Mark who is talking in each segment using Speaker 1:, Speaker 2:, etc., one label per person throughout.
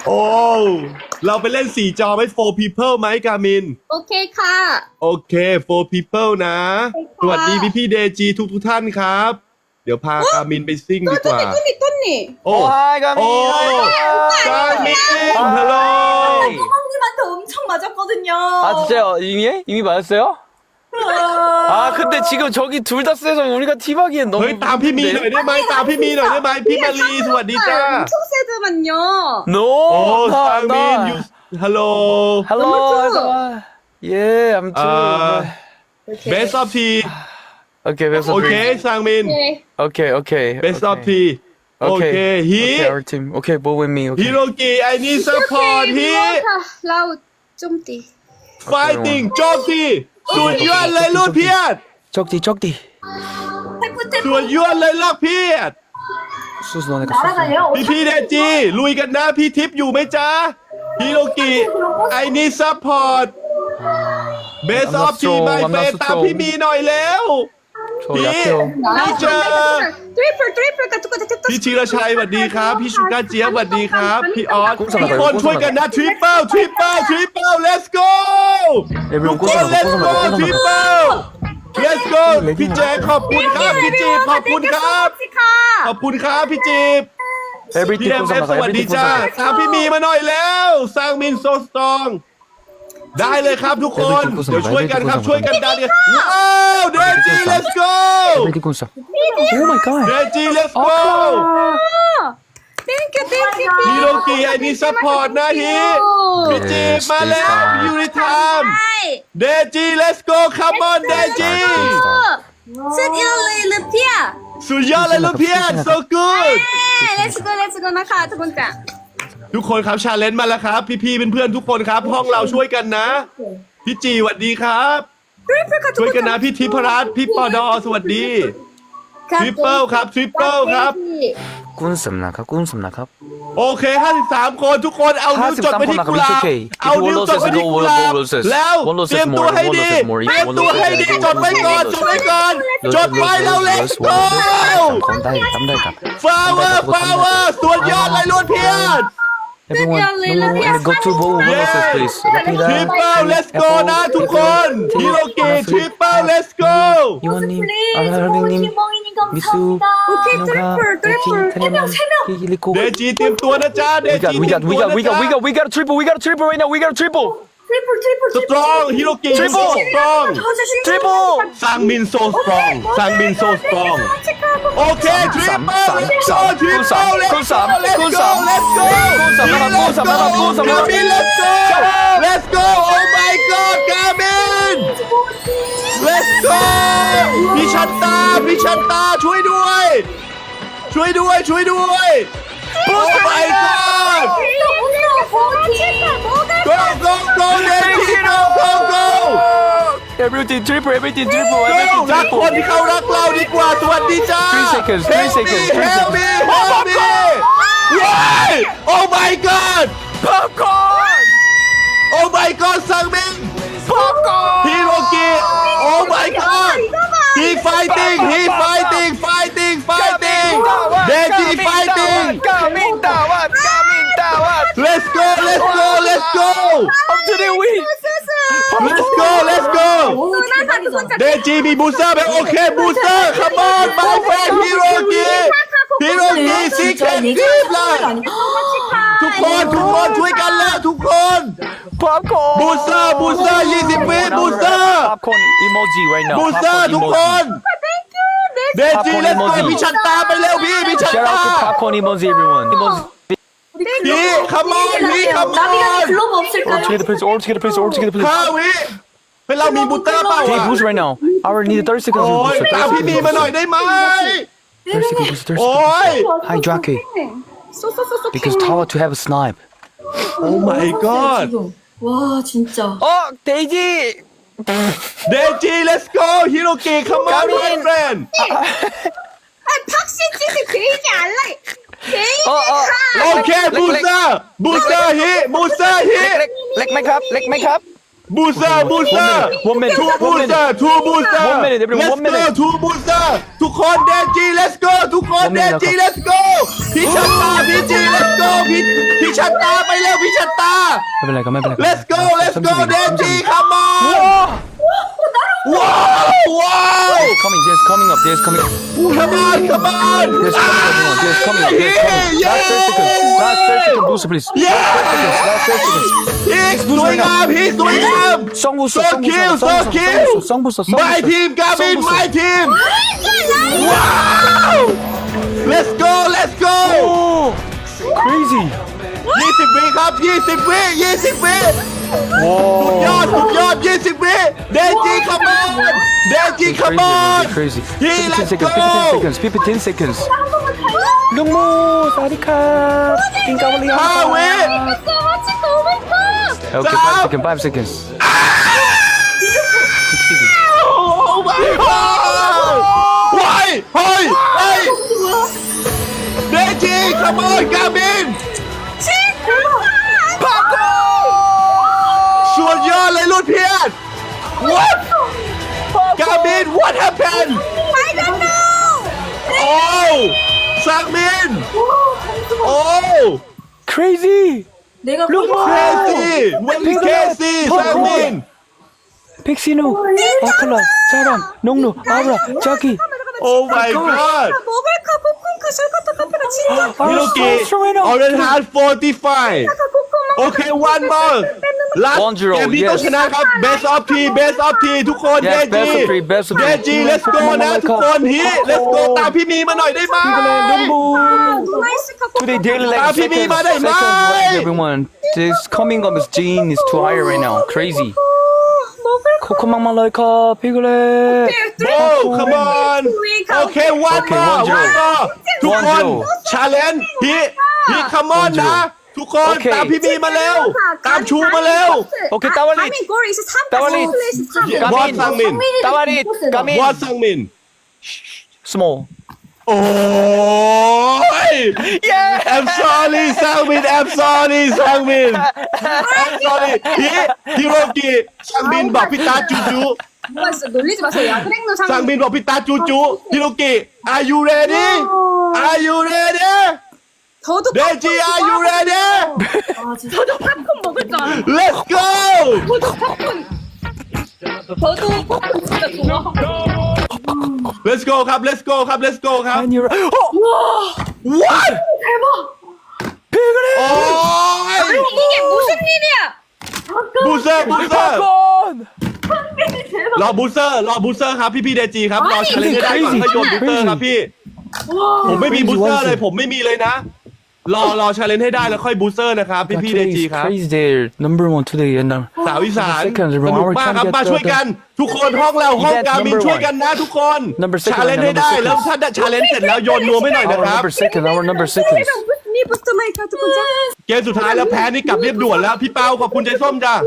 Speaker 1: โอ้เราไปเล่น4จอไหม4 people ไหมกามิน
Speaker 2: โอเคค่ะ
Speaker 1: โอเค4 people นะสวัสดีพี่เดจีทุกท่านครับเดี๋ยวพากามินไปซิ่งดีกว่า
Speaker 2: ต้นนี่
Speaker 1: โอ้
Speaker 3: กามิน
Speaker 1: กามินฮัลโหล
Speaker 2: 형님한테 엄청 맞았거든요.
Speaker 3: 아 진짜요? 이미 맞았어요? 아 근데 지금 저기 둘 다 세서 우리가 팀하기엔 너무
Speaker 1: เฮ้ยตามพี่มีหน่อยได้ไหมตามพี่มีหน่อยได้ไหมพี่มารีสวัสดีจ้า
Speaker 2: 엄청 세더만요.
Speaker 3: No
Speaker 1: โอ้ซังมินยูฮัลโหล
Speaker 3: Hello Yeah I'm too
Speaker 1: best of T
Speaker 3: Okay best of
Speaker 1: โอเคซังมิน
Speaker 3: Okay
Speaker 1: best of T โอเคฮี
Speaker 3: Okay our team Okay ball with me
Speaker 1: ฮิ
Speaker 3: Okay
Speaker 1: โรกิไอ้นี่ support ฮี
Speaker 2: 라우 좀띠.
Speaker 1: fighting โจมตีสุดยอดเลยลูกเพียร
Speaker 3: 적디
Speaker 1: สุดยอดเลยลูกเพียร
Speaker 3: 수수 너네가
Speaker 1: พี่เดจีลุยกันนะพี่ทิพย์อยู่ไหมจ๊ะฮิโรกิไอ้นี่ support best of T ไมเฟนตามพี่มีหน่อยแล้ว
Speaker 3: 저 약해요
Speaker 1: พี่เจอ
Speaker 2: 트리플 같은 거 됐다.
Speaker 1: พี่ชีรชัยสวัสดีครับ พี่ชูก้าเจี๊ยบสวัสดีครับ พี่ออส
Speaker 3: กุ้งสลัด
Speaker 1: ทุกคนช่วยกันนะ triple let's go
Speaker 3: everyone
Speaker 1: ทุกคน let's go triple let's go พี่แจ๊คขอบคุณครับพี่จีบขอบคุณครับขอบคุณครับพี่จีบ
Speaker 3: Everything
Speaker 1: พี่เอ็มเอฟสวัสดีจ้าตามพี่มีมาหน่อยแล้วสร้างมินโซสตรองได้เลยครับทุกคนเดี๋ยวช่วยกันครับช่วยกันดันเนี่ยว้าวเดจี let's go
Speaker 3: Everything gunsa Oh my god
Speaker 1: เดจี let's go
Speaker 2: 땡큐.
Speaker 1: ฮิโรกิไอ้นี่ซัพพอร์ตนะฮีพี่จีบมาแล้วยูนิทามเดจี let's go come on เดจี
Speaker 2: 스디올레 르피아.
Speaker 1: สุดยอดเลยลูกเพียร so good
Speaker 2: 렛츠고 나카 두번째.
Speaker 1: ทุกคนครับชาเลนจ์มาแล้วครับพี่ๆเพื่อนๆทุกคนครับห้องเราช่วยกันนะพี่จีสวัสดีครับ
Speaker 2: 트리플 같은
Speaker 1: ช่วยกันนะพี่ทิพรัตน์พี่ปอดอสวัสดีทริปเปิลครับทริปเปิลครับ
Speaker 3: 꾼썸나카
Speaker 1: โอเค53คนทุกคนเอานิ้วจดไปที่กุหลาบเอานิ้วจดไปที่กุหลาบแล้วเตรียมตัวให้ดีเตรียมตัวให้ดีจดไว้ก่อนจดไว้ก่อนจดไว้แล้วเล็กโต power ส่วนยอดเลยล้วนเพียร
Speaker 3: Everyone go to ball versus please
Speaker 1: ทริปเปิล let's go นะทุกคนฮิโรกิทริปเปิล let's go
Speaker 3: 이원님 아라랑님 미수
Speaker 2: 오케이,
Speaker 3: 노가
Speaker 2: 트리플.
Speaker 3: 타냐만 히리코
Speaker 1: เดจีเตรียมตัวนะจ๊ะเดจี
Speaker 3: We got a triple right now we got a triple
Speaker 1: สตรองฮิโรกิสตรอง
Speaker 3: triple
Speaker 1: ซังมินโซสตรองซังมินโซสตรองโอเคทริปเปิล let's go ทริปเปิล let's go let's go let's go Gamin let's go let's go oh my god Gamin let's go พี่ชันตาช่วยด้วยoh my god go Nancy go
Speaker 3: Everything triple
Speaker 1: รักคนที่เขารักเราดีกว่าสวัสดีจ้า
Speaker 3: 3 seconds
Speaker 1: help me oh my god
Speaker 3: popcorn
Speaker 1: oh my god ซังมิน
Speaker 3: popcorn
Speaker 1: ฮิโรกิ oh my god he fighting Deji fighting
Speaker 3: Gamin tawat
Speaker 1: let's go
Speaker 3: I'm to the win
Speaker 1: let's go Deji มีบูสเตอร์ไหมโอเคบูสเตอร์ come on my friend ฮิโรกิซีเคร็ตกิฟต์ล่ะทุกคนช่วยกันแล้วทุกคน
Speaker 3: popcorn
Speaker 1: บูสเตอร์20 วิบูสเตอร์
Speaker 3: popcorn emoji right now
Speaker 1: บูสเตอร์ทุกคนเดจี let's go พี่ชันตาไปเร็วพี่ชัน
Speaker 3: Shout
Speaker 1: ตา
Speaker 3: out to popcorn emoji everyone emoji
Speaker 1: พี่ come on
Speaker 2: 나비가 글로브 없을까요?
Speaker 3: all together please
Speaker 1: 5 วิเป็นเรามีบูสเตอร์เปล่า
Speaker 3: Take boost right now I need 30 seconds
Speaker 1: โอ้ย
Speaker 3: boost
Speaker 1: ตามพี่มีมาหน่อยได้ไหม
Speaker 3: 30 seconds
Speaker 1: โอ้ย
Speaker 3: Hi Drake because tower to have a snipe
Speaker 1: oh my god
Speaker 2: 와 진짜.
Speaker 3: 데이지
Speaker 1: เดจี let's go ฮิโรกิ come on my friend
Speaker 2: 팍신치즈 베이지 알라. 베이지.
Speaker 1: โอเคบูสเตอร์ฮิบูสเตอร์ฮิ
Speaker 3: เล็กไหมครับ
Speaker 1: บูสเตอร์
Speaker 3: One minute.
Speaker 1: two booster
Speaker 3: One minute, everyone,
Speaker 1: let's
Speaker 3: one minute.
Speaker 1: go two booster ทุกคนเดจี let's go ทุกคน
Speaker 3: One
Speaker 1: เด
Speaker 3: minute
Speaker 1: จี let's go พี่ชันตาพี่จี let's go พี่ชัชันตาไปเร็วพี่ชันตา
Speaker 3: ไม่เป็นไรครับไม่เป็นไร
Speaker 1: let's goเดจี come on ว้าวว้าว
Speaker 3: coming there's coming up there's coming up
Speaker 1: come on come on
Speaker 3: there's coming up there's coming up last 30 seconds booster please last 30 seconds
Speaker 1: he's สวยงาม he's สวยงาม
Speaker 3: song booster
Speaker 1: so kill so kill
Speaker 3: song booster
Speaker 1: my team Gavin my team wow let's go
Speaker 3: oh crazy
Speaker 1: 20 วิครับ20 วิ20 วิสุดยอด20 วิเดจี come on เดจี come on
Speaker 3: crazy
Speaker 1: he
Speaker 3: 15
Speaker 1: let's
Speaker 3: seconds
Speaker 1: go
Speaker 3: 15 seconds ลุงมูสวัสดีครับกินกาวลี
Speaker 1: 5 วิ
Speaker 3: okay 5 seconds
Speaker 1: oh my god ว้ายเฮ้ยเฮ้ยเดจี come on กาบินสุดยอดเลยรุ่นเพียร what กาบิน what happened oh สังมิน oh
Speaker 3: crazy
Speaker 2: 내가
Speaker 1: crazy when crazyสังมิน
Speaker 3: 픽시누 아클라 사람 농누 아브라 자기
Speaker 1: oh my god
Speaker 2: 모발카 포콘카 셜카타 카페가 진짜
Speaker 1: ฮิโรกิ Orange Heart 45 โอเค one more last
Speaker 3: 1-0
Speaker 1: เกมนี้ต้องชนะครับ best of three best of three ทุกคนเด
Speaker 3: Yes,
Speaker 1: จี
Speaker 3: best of three, best of
Speaker 1: เด
Speaker 3: three.
Speaker 1: จี let's go นะทุกคนฮี let's go ตามพี่มีมาหน่อยได้ไหม
Speaker 3: 농부
Speaker 2: 누나이스카
Speaker 3: today daily
Speaker 1: 아,
Speaker 3: like
Speaker 1: 비비
Speaker 3: seconds
Speaker 1: 맞아요,
Speaker 3: seconds
Speaker 1: 마이.
Speaker 3: like everyone this coming up is gene is too high right now crazy 코코망망 라이카 피글레
Speaker 1: oh come on โอเค one
Speaker 3: Okay,
Speaker 1: more
Speaker 3: 1-0
Speaker 1: one more ทุกคน
Speaker 3: 1-0
Speaker 1: challenge ฮี come on นะ ทุกคน
Speaker 3: Okay
Speaker 1: ตามพี่มีมาเร็ว ตามชูมาเร็ว
Speaker 3: 오케이 따왈리
Speaker 2: 가민 골 이제 3
Speaker 3: 따왈리
Speaker 1: What 상민
Speaker 3: 따왈리 까민
Speaker 1: What 상민
Speaker 3: small
Speaker 1: โอ้ย I'm sorry สังมิน I'm sorry สังมิน I'm sorry ฮิโรกิสังมินบอกพี่ตาจูจู
Speaker 2: 뭐가 있어 놀리지 마세요 야그랭노
Speaker 1: สัง
Speaker 2: 상
Speaker 1: มินบอกพี่ตาจูจูฮิโรกิ Are you ready Are you ready
Speaker 2: 저도
Speaker 1: เดจี Are you ready
Speaker 2: 저도 팝콘 먹을 줄 알아요
Speaker 1: Let's go
Speaker 2: 저도 팝콘 저도 팝콘 진짜 좋아하고
Speaker 1: Let's go ครับ Let's go ครับ Let's go ครับ
Speaker 3: 아니
Speaker 1: What
Speaker 2: 대박
Speaker 1: โอ้ย
Speaker 2: 이게 무슨 일이야
Speaker 1: บูเซอร์บูเซอร์
Speaker 3: 팝콘
Speaker 1: รอบูเซอร์รอบูเซอร์ครับพี่เดจีครับรอเฉลยให้ได้ก่อน
Speaker 3: crazy
Speaker 1: ให้โยนบูเซอร์ครับพี่ผมไม่มีบูเซอร์เลยผมไม่มีเลยนะ รอเฉลยให้ได้แล้วค่อยบูเซอร์นะครับพี่เดจีครับ
Speaker 3: crazy day number one today and
Speaker 1: สาวอีสาน
Speaker 3: Seconds,
Speaker 1: ส
Speaker 3: everyone.
Speaker 1: นุกมากครับ
Speaker 3: Our
Speaker 1: มา
Speaker 3: champion
Speaker 1: ช่วยกัน ทุกคนห้องเราห้อง
Speaker 3: Event
Speaker 1: การบิน
Speaker 3: number
Speaker 1: ช่วย
Speaker 3: one.
Speaker 1: กันนะทุกคน
Speaker 3: Number second,
Speaker 1: ชาเลนจ์ให้ได้
Speaker 3: number
Speaker 1: แล้ว
Speaker 3: second.
Speaker 1: ถ้าชาเลนจ์เสร็จแล้วโยนนวมให้หน่อยนะครับ
Speaker 3: our number seconds
Speaker 2: 니 부스터 마이크 두번 자
Speaker 1: เกมสุดท้ายแล้วแพ้นี่กลับเรียบด่วนแล้วพี่เป้าขอบคุณใจส้มจ้า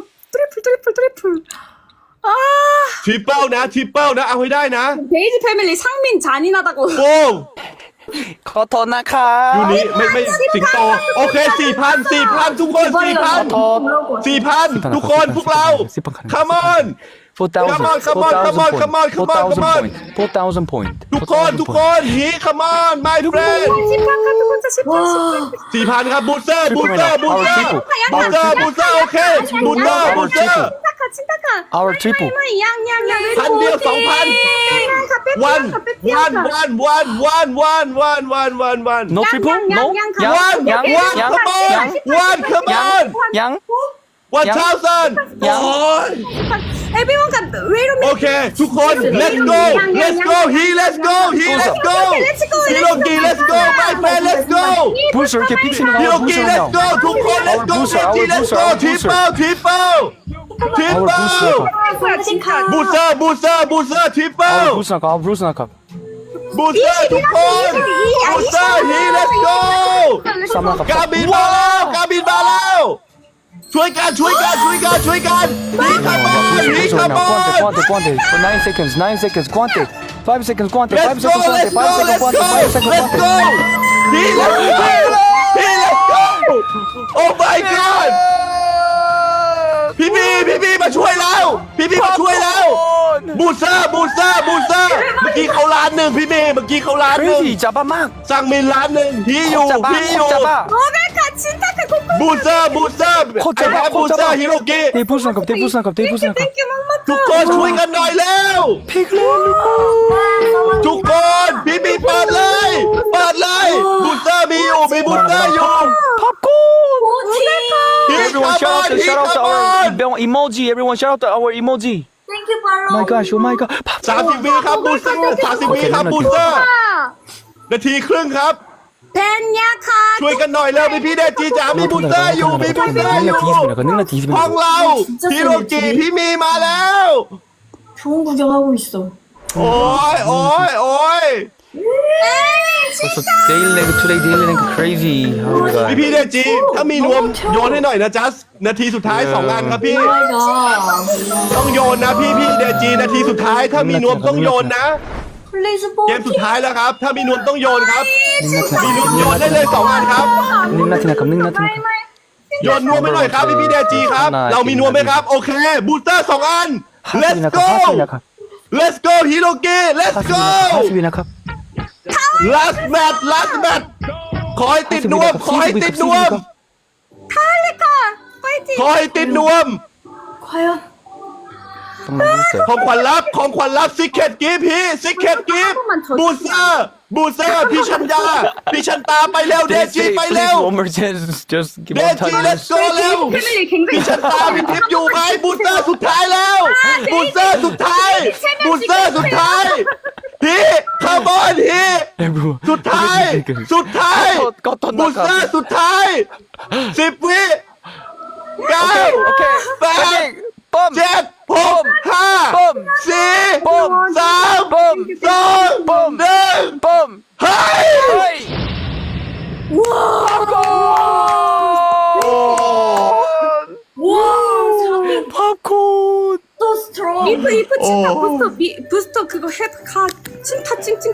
Speaker 2: 트리플 아
Speaker 1: ทริปเปิลนะทริปเปิลนะเอาให้ได้นะ
Speaker 2: 베이지 패밀리 상민 잔인하다고
Speaker 1: โป้ง
Speaker 3: 커터나카
Speaker 1: ยูนี้ไม่สิงโตโอเค 4,000 ทุกคน 4,000 ทุกคนพวกเรา come on
Speaker 3: 4,000
Speaker 1: Come on, come on, come on, come on, come on, come on.
Speaker 3: 4,000 point
Speaker 1: ทุกคนฮี come on my friend
Speaker 2: 시파카 두 번째
Speaker 1: 4,000 ครับบูสเตอร์โอเคบูสเตอร์
Speaker 2: 친타카
Speaker 3: our triple
Speaker 2: 양양양
Speaker 1: พันเดียว 2,000 one
Speaker 3: no triple no
Speaker 1: one come on come on
Speaker 3: 양
Speaker 1: 1,000
Speaker 3: ยัง
Speaker 1: โอ้ย
Speaker 2: everyone got wait a
Speaker 1: โอ
Speaker 2: minute
Speaker 1: เค ทุกคน let's go let's go let's goฮิโรกิ let's go my friend let's go
Speaker 3: 부스 이렇게 픽시는
Speaker 1: ฮิโร
Speaker 3: 거
Speaker 1: กิ
Speaker 3: 부스
Speaker 1: let's go ทุกคน let's go 지 let's go tripleบูสเตอร์ทริปเปิล
Speaker 3: our 부스 나카
Speaker 1: บูสเตอร์ทุกคนบูสเตอร์ฮี let's go กาบินมาแล้วช่วยกันฮีคาร์บอนฮีคาร์บอน
Speaker 3: guante for 9 seconds guante 5 seconds guante 5
Speaker 1: let's go
Speaker 3: seconds guante 5 seconds guante 5 seconds
Speaker 1: let's go
Speaker 3: guante
Speaker 1: he let's go oh my god พี่มาช่วยแล้วบูสเตอร์เมื่อกี้เขาล้านหนึ่งพี่เมื่อกี้เขาล้านหนึ่ง
Speaker 3: crazy 잡아 막
Speaker 1: สั่งมินล้านหนึ่งพี่อยู่
Speaker 3: 잡아
Speaker 2: 500카 친타카
Speaker 1: บูเซอร์บูเซอร์
Speaker 3: โคตรเจ๋ง
Speaker 1: ไอ้แพ้บูเซอร์ฮิโรกิ
Speaker 3: 네 부산갑 네 부산갑 네 부산갑
Speaker 2: 땡큐 맘마.
Speaker 1: ทุกคนช่วยกันหน่อยแล้ว
Speaker 3: 피글렛
Speaker 1: ทุกคนพี่มีเปิดเลยเปิดเลยบูเซอร์มีอยู่มีบูเซอร์อยู่
Speaker 3: 팝콘 Everyone shout out to our emoji everyone shout out to our emoji
Speaker 2: 땡큐 팔로우.
Speaker 3: my gosh oh my god
Speaker 1: 30 วิครับบูเซอร์30 วิครับบูเซอร์ นาทีครึ่งครับ
Speaker 2: 벤야카.
Speaker 1: ช่วยกันหน่อยแล้วพี่เดจีจ๋ามีบูเซอร์อยู่มีบูเซอร์อยู่
Speaker 3: 능력 뒤집어
Speaker 1: ห้องเราฮิโรกิพี่มีมาแล้ว
Speaker 2: 좋은 구경하고 있어.
Speaker 1: โอ้ยโอ้ยโอ้ย
Speaker 3: 벌써 데일랭크 투데이 데일랭크 crazy oh my god
Speaker 1: พี่เดจีถ้ามีนวมโยนให้หน่อยนะจัสนาทีสุดท้าย2อันครับพี่
Speaker 2: 오마이갓.
Speaker 1: ต้องโยนนะพี่เดจีนาทีสุดท้ายถ้ามีนวมต้องโยนนะ
Speaker 2: 플레이스
Speaker 1: เกมสุด
Speaker 2: 포티.
Speaker 1: ท้ายแล้วครับ ถ้ามีนวมต้องโยนครับ มีนวมโยนได้เลย2อันครับ
Speaker 3: 능라티나컵 능라티나컵
Speaker 1: โยนนวมไปหน่อยครับพี่เดจีครับ เรามีนวมไหมครับ โอเค บูสเตอร์2อัน let's
Speaker 3: 하수비나컵
Speaker 1: go
Speaker 3: 하수비나컵
Speaker 1: let's go ฮิโรกิ let's go
Speaker 3: 하수비나컵
Speaker 1: last match ขอให้ติดนวม ขอให้ติดนวม
Speaker 2: 탈레카. 파이팅.
Speaker 1: ขอให้ติดนวม
Speaker 2: 과연.
Speaker 3: 정말 재밌어요
Speaker 1: ของขวัญรับซิกเก็ตกิฟพี่ซิกเก็ตกิฟบูสเตอร์พี่ชัญญาพี่ชันตาไปเร็วเดจีไปเร็ว
Speaker 3: one more chance just give
Speaker 1: เด
Speaker 3: one
Speaker 1: จี
Speaker 3: time
Speaker 1: let's go เร็ว
Speaker 2: 패밀리
Speaker 1: พี่
Speaker 2: 굉장히
Speaker 1: ชันตามีทิปอยู่ไหมบูสเตอร์สุดท้ายแล้วบูสเตอร์สุดท้ายพี่คาร์บอนพี่
Speaker 3: everyone
Speaker 1: สุดท้ายบูสเตอร์สุดท้าย10 วิ 9
Speaker 3: 오케이
Speaker 1: 8
Speaker 3: 뻔
Speaker 1: 7 6 5
Speaker 3: 뻔
Speaker 1: 4
Speaker 3: 뻔
Speaker 1: 3
Speaker 3: 뻔
Speaker 1: 2
Speaker 3: 뻔
Speaker 1: 1
Speaker 3: 뻔
Speaker 1: เฮ้ย
Speaker 3: 하이
Speaker 2: 와 사기
Speaker 3: 팝콘
Speaker 2: 또 스트롱. 리프 침타 부스터 그거 헤드카 침타 찡찡.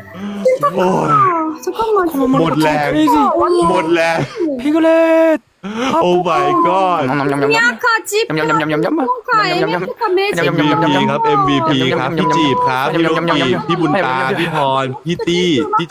Speaker 2: 잠깐만.
Speaker 1: หมดแรง หมดแรง
Speaker 3: 피글렛
Speaker 1: โอ้ my god
Speaker 2: 야카 집.
Speaker 3: 냠냠냠냠냠.
Speaker 2: 카 에메카 매직.
Speaker 1: MVP ครับ MVP ครับ พี่จีบครับ พี่โรกีพี่บุญตา พี่พร พี่ตี้ พี่